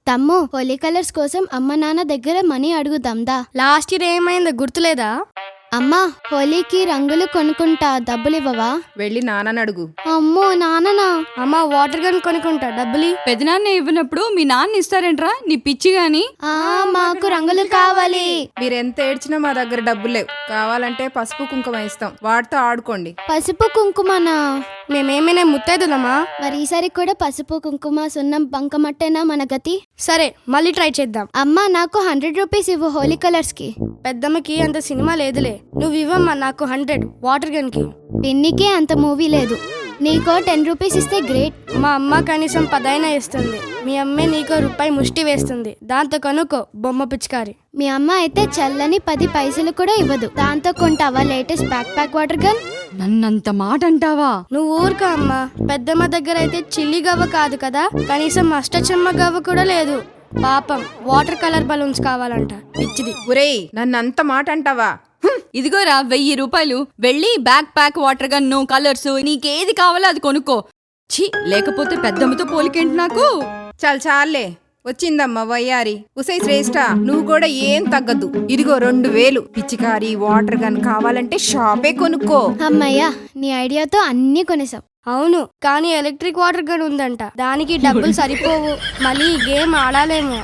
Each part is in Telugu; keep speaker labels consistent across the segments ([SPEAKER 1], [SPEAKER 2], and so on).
[SPEAKER 1] తమ్ము, హోలీ కలర్స్ కోసం అమ్మ నాన్న దగ్గర మనీ అడుగుదాందా.
[SPEAKER 2] లాస్ట్ ఇయర్ ఏమైందో గుర్తులేదా?
[SPEAKER 1] అమ్మా, హోలీకి రంగులు కొనుక్కుంటా, డబ్బులివ్వవా?
[SPEAKER 3] వెళ్ళి నాన్నని అడుగు.
[SPEAKER 1] అమ్మో, నాన్ననా?
[SPEAKER 2] అమ్మ వాటర్ గన్ కొనుక్కుంటా, డబ్బులి.
[SPEAKER 4] పెదనాన్న ఇవ్వనప్పుడు మీ నాన్న ఇస్తారేంట్రా, నీ పిచ్చి గాని.
[SPEAKER 1] మాకు రంగులు కావాలి.
[SPEAKER 3] మీరెంత ఏడ్చినా మా దగ్గర డబ్బులు లేవు. కావాలంటే పసుపు కుంకుమ ఇస్తాం, వాటితో ఆడుకోండి.
[SPEAKER 1] పసుపు కుంకుమనా?
[SPEAKER 2] మేమేమైనా ముత్తైదులమా?
[SPEAKER 1] మరి ఈసారి కూడా పసుపు కుంకుమ సున్నం బంకమట్టేనా మన గతి?
[SPEAKER 2] సరే, మళ్ళీ ట్రై చేద్దాం.
[SPEAKER 1] అమ్మా, నాకు 100 రూపీస్ ఇవ్వు హోలీ కలర్స్ కి.
[SPEAKER 2] పెద్దమ్మకి అంత సినిమా లేదులే, నువ్వు ఇవ్వమ్మా నాకు 100 వాటర్ గన్ కి.
[SPEAKER 1] పిన్నికే అంత మూవీ లేదు, నీకో 10 రూపీస్ ఇస్తే గ్రేట్.
[SPEAKER 2] మా అమ్మ కనీసం 10 అయినా ఇస్తుంది. మీ అమ్మే నీకో రూపాయి ముష్టి వేస్తుంది, దాంతో కొనుక్కో బొమ్మ పిచికారి.
[SPEAKER 1] మీ అమ్మ అయితే చల్లని 10 పైసలు కూడా ఇవ్వదు, దాంతో కొంటావా లేటెస్ట్ ప్యాక్ వాటర్ గన్?
[SPEAKER 4] నన్నంత మాట అంటావా?
[SPEAKER 2] నువ్వు ఊరుకో అమ్మా. పెద్దమ్మ దగ్గర అయితే చిల్లి గవ్వ కాదు కదా, కనీసం అష్టచమ్మ గవ్వ కూడా లేదు. పాపం వాటర్ కలర్ బలూన్స్ కావాలంట, పిచ్చిది.
[SPEAKER 3] ఒరేయ్, నన్నంత మాట అంటావా?
[SPEAKER 4] ఇదిగోరా 1000 రూపాయలు, వెళ్ళి ప్యాక్ వాటర్ గన్ను కలర్స్ నీకేది కావాలో అది కొనుక్కో. ఛీ, లేకపోతే పెద్దమ్మతో పోలికేంటి నాకు?
[SPEAKER 3] చాలే, వచ్చిందమ్మా వయ్యారి. ఉసై శ్రేష్ఠ, నువ్వు కూడా ఏం తగ్గద్దు. ఇదిగో 2000. పిచ్చికారి వాటర్ గన్ కావాలంటే షాపే కొనుక్కో.
[SPEAKER 1] అమ్మయ్యా, నీ ఐడియాతో అన్నీ కొనేసాం.
[SPEAKER 2] అవును, కానీ ఎలక్ట్రిక్ వాటర్ గన్ ఉందంట, దానికి డబ్బులు సరిపోవు, మళ్ళీ ఈ గేమ్ ఆడాలేమో.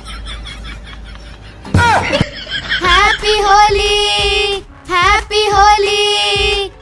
[SPEAKER 1] Happy Holi, happy Holi.